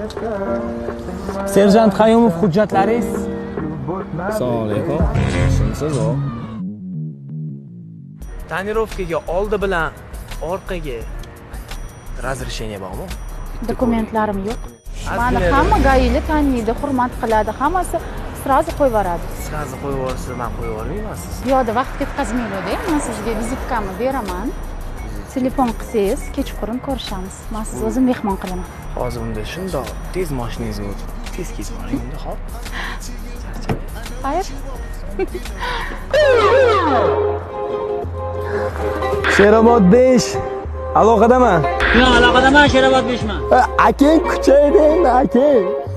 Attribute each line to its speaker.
Speaker 1: Serjant Qayumov, hujjatlaringiz?
Speaker 2: Assalomu alaykum. Shunsiz o?
Speaker 1: Tonirovkaga oldi bilan orqaga razрешение bormi?
Speaker 3: Dokumentlarim yo'q. Mani hamma gaili taniydi, hurmat qiladi, hammasi srazi qo'yib yuboradi.
Speaker 1: Srazi qo'yib yuborsa, men qo'yib yubormayman siz.
Speaker 3: Piyoda vaqt ketkazmaydi, men sizga vizitkamni beraman. Telefon qilsangiz, kechqurun ko'rishamiz. Men sizni o'zim mehmon qilaman.
Speaker 1: Hozir unda shundoq tez mashinangizga o'tib, tez ketib boring unda, xo'p?
Speaker 3: Xayr.
Speaker 2: Sherobod 5. Aloqadaman.
Speaker 4: Yo'q, aloqadaman, Sherobod 5man.
Speaker 2: Akang kuchaydi endi, akang.